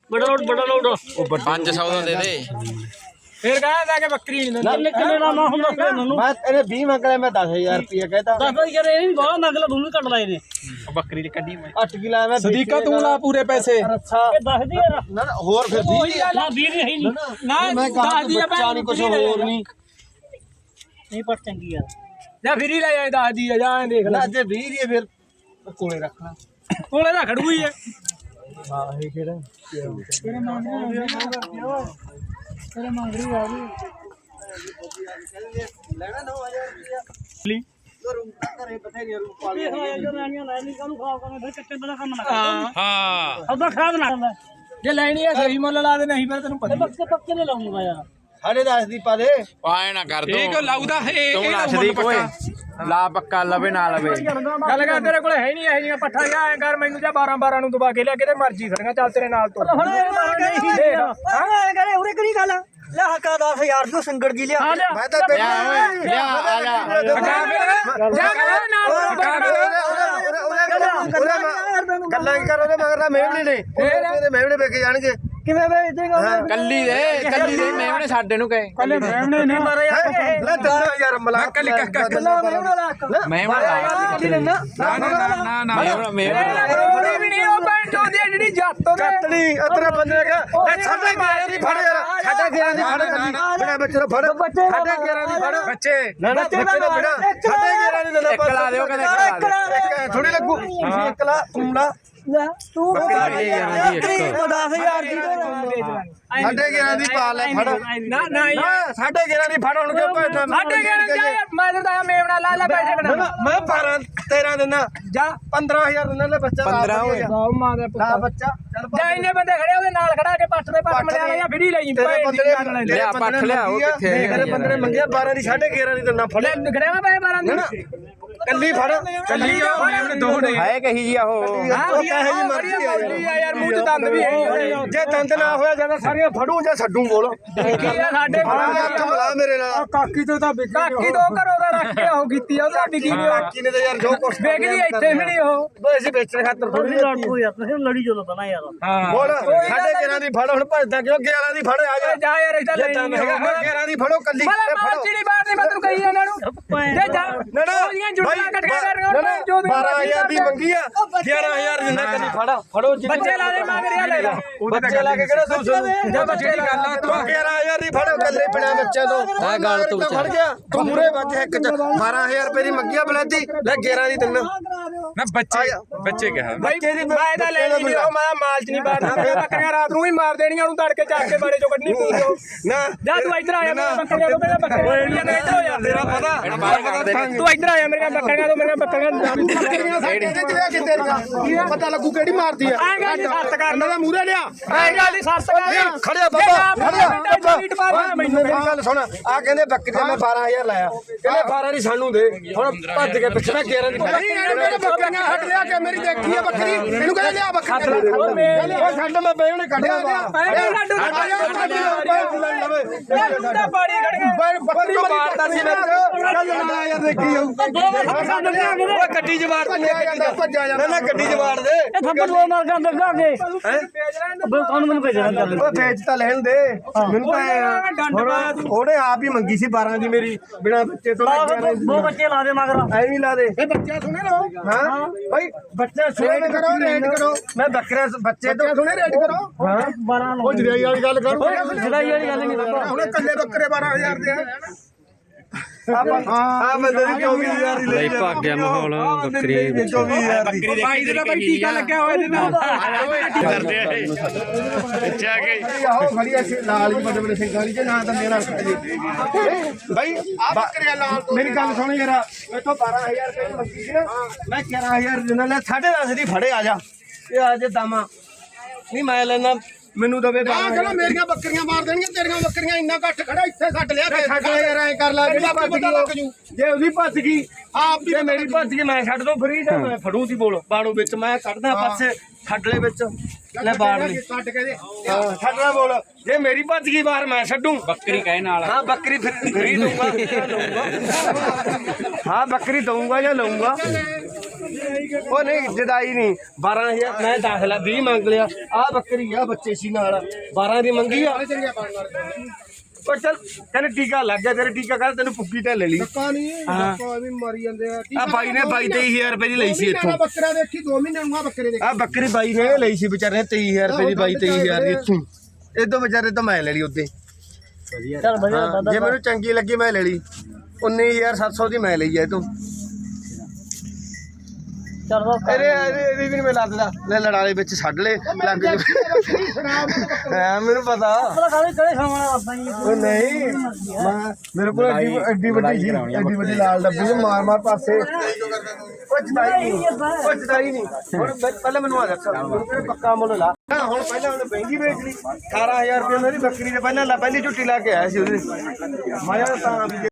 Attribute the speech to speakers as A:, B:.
A: बड़ा लोड
B: 500 ਦਾ ਦੇ ਦੇ
C: फिर कहा कि बकरी नहीं
A: कितने कितने नाम हम दस मैनू
D: मैं तेरे 20 मंग रहा मैं 10,000 रुपया कहता
A: 10 भाई करे नहीं बाहर नगला तू भी कट लाए ने
C: बकरी दी कड्डी मैं
D: 8 किलो मैं
E: सदीका तू ला पूरे पैसे
D: अच्छा
A: ये 10 दी यार
D: ना और फिर 20
A: ना 20 नहीं
C: ना
D: मैं कहा बच्चा नहीं कुछ और नहीं
A: नहीं पर चंगी यार
C: जा फिर ही ले जाए 10 दी जा देख
D: ना
C: ले
D: जे 20 ये फिर कोले रखना
C: कोले दा खड़ू ही है
D: हां ये केड़ा
A: तेरे मांगरी आ गई
D: लेना 9000 रुपया
C: ली
D: घरे बथेरी रूप पाली
A: जो रानियां ले नहीं कानू खराब करने फिर कच्चे बड़ा काम ना कर
C: हां
A: अब खराब ना कर
C: जे लेनी है सही मुੱਲ ला दे नहीं फिर तेन पता
A: पक्के ले लाऊंगा यार
D: 10.5 ਦੀ ਪਾ ਦੇ
B: ਆਏ ਨਾ ਕਰ ਦੋ
E: ਇਹ ਕਿਉਂ ਲਾਉਦਾ ਇਹ
B: ਤੂੰ ਨੱਸਦੀ ਕੋਏ ਲਾ ਪੱਕਾ ਲਵੇ ਨਾ ਲਵੇ
C: ਗੱਲ ਕਰ ਤੇਰੇ ਕੋਲ ਹੈ ਨਹੀਂ ਇਹ ਜੀਆਂ ਪੱਠਾ ਜਾ ਐ ਕਰ ਮੈਨੂੰ ਜਾਂ 12 ਨੂੰ ਦਬਾ ਕੇ ਲਿਆ ਕਿਤੇ ਮਰਜੀ ਖੜੀਆਂ ਚੱਲ ਤੇਰੇ ਨਾਲ ਤੋਂ
A: ਹੁਣ ਇਹ ਮਾਰ ਕਰੇ ਉਰੇ ਕਰੀ ਗੱਲ ਲੈ ਹੱਕਾ 10000 ਤੋਂ ਸੰਗੜ ਜੀ ਲਿਆ
D: ਮੈਂ ਤਾਂ
B: ਲਿਆ ਓਏ ਲਿਆ ਆ ਜਾ
D: ਗੱਲਾਂ ਕਰ ਉਹਦੇ ਮਗਰ ਦਾ ਮੇਵਣੇ ਨੇ ਉਹਦੇ ਮੇਵਣੇ ਵੇਖ ਜਾਣਗੇ
A: ਕਿਵੇਂ ਵੇਚ ਦੇਗਾ
B: ਕੱਲੀ ਦੇ ਮੇਵਣੇ ਸਾਡੇ ਨੂੰ ਕਹੇ
A: ਕੱਲੇ ਮੈਮਣੇ ਨਹੀਂ ਮਾਰੇ
D: ਲੈ 10000 ਮਲਾ
E: ਕੱਲੀ
B: ਮੇਵਣਾ
E: ਨਾ
C: ਰੋੜੀ ਵੀ ਨਹੀਂ ਉਹ ਪੈਂਟ ਹੁੰਦੀ ਹੈ ਜਿਹੜੀ ਜੱਤ ਉਹਦੇ
D: ਕੱਤਣੀ ਅਤਰਾ ਬੰਦੇ ਕਾ ਸਾਡੇ 11 ਦੀ ਫੜ ਯਾਰ ਸਾਡੇ 11 ਦੀ ਫੜ ਬੜਾ ਬੱਚੇ ਨੂੰ ਫੜ ਸਾਡੇ 11 ਦੀ ਫੜ
C: ਬੱਚੇ
D: ਨਾ ਨਾ ਬੱਚੇ ਦਾ ਬੜਾ ਸਾਡੇ 11 ਦੀ ਦਿੰਦਾ
B: ਇੱਕ ਲਾ ਦਿਓ ਕਹਿੰਦੇ
D: ਥੋੜੀ ਲੱਗੂ ਇੱਕ ਲਾ ਤੂੰ ਲਾ
A: ਤੂੰ
B: 10000 ਦੀ ਇੱਕ
A: 10000 ਦੀ
D: ਸਾਡੇ 11 ਦੀ ਪਾ ਲੈ ਫੜ
C: ਨਾ ਨਾ
D: ਸਾਡੇ 11 ਦੀ ਫੜ ਹੁਣ ਕਿਉਂ ਭੇਜਦਾ
C: ਸਾਡੇ ਘਰ ਜਾ ਮੈਂ ਤਾਂ ਮੇਵਣਾ ਲਾ ਪੈਸੇ ਬਣਾ
D: ਮੈਂ 12 13 ਦਿਨਾਂ
C: ਜਾ
D: 15000 ਦਿਨਾਂ ਲੈ ਬੱਚਾ
B: 15 ਹੋਏ
C: ਮਾਂ ਦਾ
D: ਨਾ ਬੱਚਾ ਚੱਲ
C: ਜਾ ਇੰਨੇ ਬੰਦੇ ਖੜੇ ਉਹਦੇ ਨਾਲ ਖੜਾ ਕੇ ਪੱਟ ਦੇ ਪੱਟ ਮਲਿਆ ਜਾਂ ਫਿਰ ਹੀ ਲਈ
D: ਤੇਰੇ ਬੰਦੇ
B: ਲਿਆ ਪੱਠ ਲਿਆ ਉਹ ਕਿੱਥੇ
D: ਤੇਰੇ ਬੰਦੇ ਨੇ ਮੰਗਿਆ 12 ਦੀ 11.5 ਦੀ ਦਿਨਾਂ ਫੜ
C: ਖੜਿਆ ਪੈਸੇ 12 ਦੀ
D: ਕੱਲੀ ਫੜ
E: ਕੱਲੀ ਆ ਮੈਂ ਦੋ ਨੇ
B: ਹੈ ਕਹੀ ਜੀ ਉਹ
D: ਉਹ ਕਹੇ ਜੀ ਮਰਜ਼ੀ
C: ਆ ਯਾਰ ਮੂੰਹ ਚ ਦੰਦ ਵੀ ਹੈ
D: ਜੇ ਦੰਦ ਨਾ ਹੋਇਆ ਜਾਂਦਾ ਸਾਰੀਆਂ ਫੜੂ ਜਾਂ ਛੱਡੂ ਬੋਲ
C: ਸਾਡੇ
D: ਹੱਥ ਮਿਲਾ ਮੇਰੇ ਨਾਲ
C: ਕਾਕੀ ਤੋਂ ਤਾਂ ਕਾਕੀ ਤੋਂ ਘਰੋਂ ਦਾ ਰੱਖ ਕੇ ਉਹ ਕੀਤੀ ਆ ਸਾਡੀ ਕੀ
D: ਕਾਕੀ ਨੇ ਤਾਂ ਯਾਰ ਜੋ ਕੁਛ
C: ਵੇਖਦੀ ਇੱਥੇ ਵੀ ਨਹੀਂ ਉਹ
D: ਬਈ ਅਸੀਂ ਵੇਚਣ ਖਾਤਰ ਥੋੜੀ
A: ਲੜ ਪੋ ਯਾਰ ਤੁਸੀਂ ਲੜੀ ਜੋ ਨਾ ਯਾਰ
D: ਬੋਲ ਸਾਡੇ 11 ਦੀ ਫੜ ਹੁਣ ਭੱਜਦਾ ਕਿਉਂ 11 ਦੀ ਫੜ ਆ ਜਾ
C: ਜਾ ਯਾਰ ਇਦਾਂ
D: ਜੇ ਦਮ ਹੈਗਾ 11 ਦੀ ਫੜੋ ਕੱਲੀ
C: ਫੜੋ ਚਿੜੀ ਬਾਹਰ ਨਹੀਂ ਮੈਂ ਤੈਨੂੰ ਕਹੀ ਇਹਨਾਂ ਨੂੰ ਜੇ ਜਾ
D: ਨਾ ਨਾ
C: ਉਹਦੀਆਂ ਜੁੜੀਆਂ ਕੱਟ ਕੇ ਕਰ
D: ਨਾ 12000 ਦੀ ਮੰਗੀ ਆ 11000 ਦਿੰਦਾ ਕੱਲੀ ਫੜੋ
C: ਬੱਚੇ ਲਾ ਦੇ ਮੰਗ ਰਿਹਾ ਲੈ
D: ਬੱਚੇ ਲਾ ਕੇ ਕਿਹੜਾ ਸੋਚ
C: ਜੇ ਬੱਚੇ ਦੀ ਗੱਲ ਆ
D: ਤੂੰ 11000 ਦੀ ਫੜੋ ਕੱਲੇ ਬਿਨਾ ਬੱਚਿਆਂ ਤੋਂ
B: ਆ ਗੱਲ ਤੂੰ
D: ਫੜ ਗਿਆ ਤੂੰ ਮੂਰੇ ਵੱਜ ਇੱਕ ਚ 12000 ਰੁਪਏ ਦੀ ਮੰਗੀ ਆ ਬਲੈਦੀ ਲੈ 11 ਦੀ ਦਿੰਦਾ
E: ਨਾ ਬੱਚੇ ਕਿਹਾ
C: ਬੱਚੇ ਦੀ ਮੈਂ ਤਾਂ ਲੈ ਲਈ ਉਹ ਮੈਂ ਮਾਲ ਚ ਨਹੀਂ ਬਾੜਨਾ ਬੱਕਰੀਆਂ ਰਾਤ ਨੂੰ ਹੀ ਮਾਰ ਦੇਣੀਆਂ ਉਹਨੂੰ ਤੜਕੇ ਚੱਕ ਕੇ ਬਾੜੇ ਚੋਂ ਕੱਢਣੀ ਪਊਗੀ
D: ਨਾ
C: ਜਾ ਤੂੰ ਇੱਧਰ ਆਇਆ ਮੇਰੀਆਂ ਬੱਕਰੀਆਂ ਤੋਂ ਮੇਰੀਆਂ ਬੱਕਰੀਆਂ ਇੱਧਰ ਹੋ ਜਾ
D: ਤੇਰਾ ਪਤਾ
C: ਤੂੰ ਇੱਧਰ ਆਇਆ ਮੇਰੀਆਂ ਬੱਕਰੀਆਂ ਤੋਂ ਮੇਰੀਆਂ
D: ਬੱਕਰੀਆਂ ਪਤਾ ਲੱਗੂ ਕਿਹੜੀ ਮਾਰਦੀ ਆ
C: ਆਏਗਾ ਜੀ ਸੱਤ ਕਰ
D: ਇਹਨਾਂ ਦਾ ਮੂਰੇ ਲਿਆ
C: ਆਏਗਾ ਜੀ ਸੱਤ ਕਰ
D: ਖੜਿਆ ਬਾਬਾ ਖੜਿਆ
C: ਮੈਨੂੰ
D: ਮੇਰੀ ਗੱਲ ਸੁਣ ਆ ਕਹਿੰਦੇ ਬੱਕਰੀ ਮੈਂ 12000 ਲਾਇਆ ਕਹਿੰਦੇ 12 ਦੀ ਸਾਨੂੰ ਦੇ ਹੁਣ ਭੱਜ ਕੇ ਪਿੱਛੇ ਮੈਂ 11 ਦੀ ਮੇਰੇ ਬੱਕਰੀਆਂ ਹਟ ਲਿਆ ਕਿ ਮੇਰੀ ਦੇਖੀ ਆ ਬੱਕਰੀ ਇਹਨੂੰ ਕਹਿੰਦੇ ਲਿਆ ਬੱਕਰੀ ਉਹ ਛੱਡ ਮੈਂ ਬੇਹਣੇ ਕੱਢਿਆ
C: ਬਾੜੀ ਖੜ ਗਿਆ
D: ਬੱਕਰੀ ਮਾਰਦਾ ਸੀ ਵਿੱਚ ਚੱਲ ਯਾਰ ਦੇਖੀ ਉਹ ਗੱਡੀ ਜਵਾੜ ਦੇ ਭੱਜਾ ਜਾਂਦਾ ਨਾ ਗੱਡੀ ਜਵਾੜ ਦੇ
A: ਇਹ ਥੱਪੜ ਲੋ ਮਾਰ ਕੇ ਅੰਦਰ ਜਾ ਕੇ ਕੌਣ ਮੈਨੂੰ ਭੇਜਣਾ ਚੱਲ
D: ਉਹ ਵੇਚ ਤਾਂ ਲੈਣ ਦੇ ਮੈਨੂੰ ਤਾਂ ਉਹਨੇ ਆਪ ਹੀ ਮੰਗੀ ਸੀ 12 ਦੀ ਮੇਰੀ ਬਿਨਾ ਬੱਚੇ ਤੋਂ
A: ਦੋ ਬੱਚੇ ਲਾ ਦੇ ਮਗਰ
D: ਐਵੇਂ ਲਾ ਦੇ ਇਹ ਬੱਚਾ ਸੁਣੇ ਲੋ ਹਾਂ ਭਾਈ ਬੱਚਾ ਸੁਣੇ ਕਰੋ ਰੇਟ ਕਰੋ ਮੈਂ ਬੱਕਰੇ ਬੱਚੇ ਤੋਂ ਸੁਣੇ ਰੇਟ ਕਰੋ ਹਾਂ
A: 12
D: ਉਹ ਜੜਾਈ ਵਾਲੀ ਗੱਲ ਕਰੋ
A: ਜੜਾਈ ਵਾਲੀ ਗੱਲ ਨਹੀਂ ਕਰਦਾ
D: ਉਹਨੇ ਕੱਲੇ ਬੱਕਰੇ 12000 ਦੇ ਆ ਬੰਦੇ ਦੀ 24000 ਦੀ ਲਈ
B: ਭਾਗ ਗਿਆ ਮਾਹੌਲ ਬੱਕਰੀ
D: 24000 ਦੀ
E: ਭਾਈ ਦੇ ਭਾਈ ਟੀਕਾ ਲੱਗਿਆ ਹੋਇਆ ਇਹਦੇ ਨਾਲ
B: ਕਰਦੇ ਆ
D: ਆਹੋ ਖੜੀਆ ਲਾਲ ਜੀ ਵੱਡੇ ਵੱਡੇ ਸਿੰਘਾਂ ਵਾਲੀ ਜੇ ਨਾ ਤਾਂ ਮੇਰਾ ਜੀ ਭਾਈ ਆ ਬੱਕਰੀਆਂ ਲਾਲ ਮੇਰੀ ਗੱਲ ਸੁਣ ਯਾਰ ਮੈਥੋਂ 12000 ਰੁਪਏ ਮੰਗੀ ਸੀ ਨਾ ਮੈਂ 11000 ਦਿੰਦਾ ਲੈ 10.5 ਦੀ ਫੜੇ ਆ ਜਾ ਇਹ ਆ ਜੇ ਦਾਮਾ ਨਹੀਂ ਮੈਂ ਲੈਣਾ ਮੈਨੂੰ ਦਵੇ ਚਲੋ ਮੇਰੀਆਂ ਬੱਕਰੀਆਂ ਮਾਰ ਦੇਣਗੀਆਂ ਤੇਰੀਆਂ ਬੱਕਰੀਆਂ ਇੰਨਾ ਘੱਟ ਖੜਾ ਇੱਥੇ ਛੱਡ ਲਿਆ ਛੱਡ ਯਾਰ ਐ ਕਰ ਲਾ ਜਿਹੜੀ ਭੱਜ ਗਈ ਜੇ ਉਹਦੀ ਭੱਜ ਗਈ ਆਪ ਜੇ ਮੇਰੀ ਭੱਜ ਗਈ ਮੈਂ ਛੱਡ ਦੋ ਫਰੀ ਜਾਂ ਮੈਂ ਫੜੂ ਸੀ ਬੋਲ ਬਾੜੂ ਵਿੱਚ ਮੈਂ ਕੱਢਦਾ ਪਾਸੇ ਛੱਡ ਲੈ ਵਿੱਚ ਲੈ ਬਾੜ ਲਈ ਛੱਡ ਕੇ ਦੇ ਹਾਂ ਛੱਡਣਾ ਬੋਲ ਜੇ ਮੇਰੀ ਭੱਜ ਗਈ ਬਾਹਰ ਮੈਂ ਛੱਡੂ
B: ਬੱਕਰੀ ਕਹੇ ਨਾਲ
D: ਹਾਂ ਬੱਕਰੀ ਫਰੀ ਦਊਂਗਾ ਹਾਂ ਬੱਕਰੀ ਦਊਂਗਾ ਜਾਂ ਲਊਂਗਾ ਉਹ ਨਹੀਂ ਜਦਾਈ ਨਹੀਂ 12000 ਮੈਂ ਦਾਖਲਾ 20 ਮੰਗ ਲਿਆ ਆ ਬੱਕਰੀ ਆ ਬੱਚੇ ਸੀ ਨਾਲ 12 ਦੀ ਮੰਗੀ ਆ ਉਹ ਚੱਲ ਕਹਿੰਦੇ ਟੀਕਾ ਲੱਗ ਗਿਆ ਤੇਰੇ ਟੀਕਾ ਕਰ ਤੈਨੂੰ ਪੁੱਕੀ ਢਿੱਲ ਲੈ ਲਈ
C: ਹਾਂ ਵੀ ਮਾਰੀ ਜਾਂਦੇ ਆ
D: ਆ ਬਾਈ ਨੇ 22-23,000 ਰੁਪਏ ਦੀ ਲਈ ਸੀ ਇੱਥੋਂ
C: ਬੱਕਰਾ ਦੇਖੀ 2 ਮਹੀਨੇ ਨੂੰ ਆ ਬੱਕਰੇ ਦੇ
D: ਆ ਬੱਕਰੀ ਬਾਈ ਨੇ ਲਈ ਸੀ ਵਿਚਾਰੇ 23,000 ਰੁਪਏ ਦੀ 22-23,000 ਦੀ ਇੱਥੋਂ ਇਦੋਂ ਵਿਚਾਰੇ ਤੋਂ ਮੈਂ ਲੈ ਲਈ ਉੱਤੇ
A: ਚੱਲ ਵਧੀਆ ਦਾਦਾ
D: ਜੇ ਮੈਨੂੰ ਚੰਗੀ ਲੱਗੀ ਮੈਂ ਲੈ ਲਈ 19,700 ਦੀ ਮੈਂ ਲਈ ਆ ਇਹ ਤੋਂ
A: ਚੱਲ ਦੋ
D: ਇਹਦੀ ਵੀ ਨੀ ਮੈਂ ਲੱਦਦਾ ਲੈ ਲੜਾਲੇ ਵਿੱਚ ਛੱਡ ਲੈ ਲੱਗ ਜਾ ਹਾਂ ਮੈਨੂੰ ਪਤਾ
A: ਕਦੇ ਖਾਣਾ ਆਪਾਂ ਜੀ
D: ਉਹ ਨਹੀਂ ਮੈਂ ਮੇਰੇ ਕੋਲ ਐਡੀ ਵੱਡੀ ਸੀ ਐਡੀ ਵੱਡੀ ਲਾਲ ਡੱਬੀ ਸੀ ਮਾਰ ਮਾਰ ਪਾਸੇ ਕੁਝ ਨਹੀਂ ਹੁਣ ਪਹਿਲਾਂ ਮੈਨੂੰ ਆ ਦੱਸ ਪੱਕਾ ਮੁੱਲ ਲਾ ਹੁਣ ਪਹਿਲਾਂ ਉਹਨੇ ਮਹਿੰਗੀ ਵੇਚ ਲਈ 18000 ਰੁਪਏ ਮੇਰੀ ਬੱਕਰੀ ਦੇ ਪਹਿਲਾਂ ਪਹਿਲੀ ਝੁੱਟੀ ਲਾ ਕੇ ਆਇਆ ਸੀ ਉਹਦੇ ਮੈਂ ਤਾਂ